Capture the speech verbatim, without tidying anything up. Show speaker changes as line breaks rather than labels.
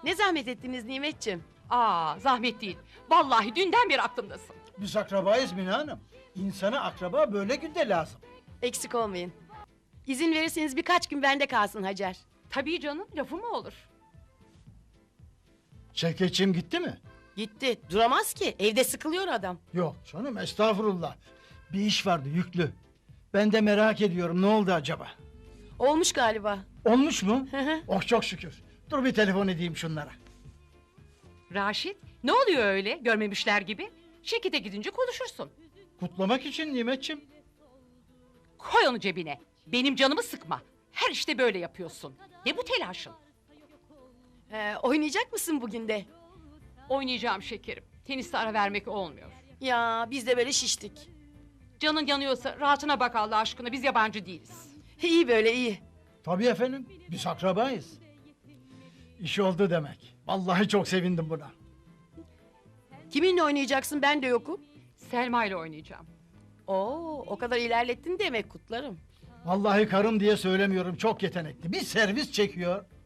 Ne zahmet ettiniz Nimetciğim.
Aa, zahmet değil. Vallahi dünden beri aklımdasın.
Biz akrabayız Mine Hanım. İnsana akraba böyle günde lazım.
Eksik olmayın. İzin verirseniz birkaç gün bende kalsın Hacer.
Tabii canım, lafı mı olur?
Şevketçiğim gitti mi?
Gitti. Duramaz ki. Evde sıkılıyor adam.
Yok canım, estağfurullah. Bir iş vardı, yüklü. Ben de merak ediyorum, ne oldu acaba?
Olmuş galiba.
Olmuş mu?
Hı hı.
Oh, çok şükür. Dur bir telefon edeyim şunlara.
Raşit, ne oluyor öyle görmemişler gibi? Şirkete gidince konuşursun.
Kutlamak için Nimetciğim.
Koy onu cebine. Benim canımı sıkma. Her işte böyle yapıyorsun. Ne bu telaşın?
Ee, oynayacak mısın bugün de?
Oynayacağım şekerim. Teniste ara vermek olmuyor.
Ya biz de böyle şiştik.
Canın yanıyorsa rahatına bak Allah aşkına. Biz yabancı değiliz.
İyi böyle iyi.
Tabii efendim, biz akrabayız. İş oldu demek. Vallahi çok sevindim buna.
Kiminle oynayacaksın, ben de yokum.
Selma ile oynayacağım.
Oo, o kadar ilerlettin demek, kutlarım.
Vallahi karım diye söylemiyorum, çok yetenekli. Bir servis çekiyor.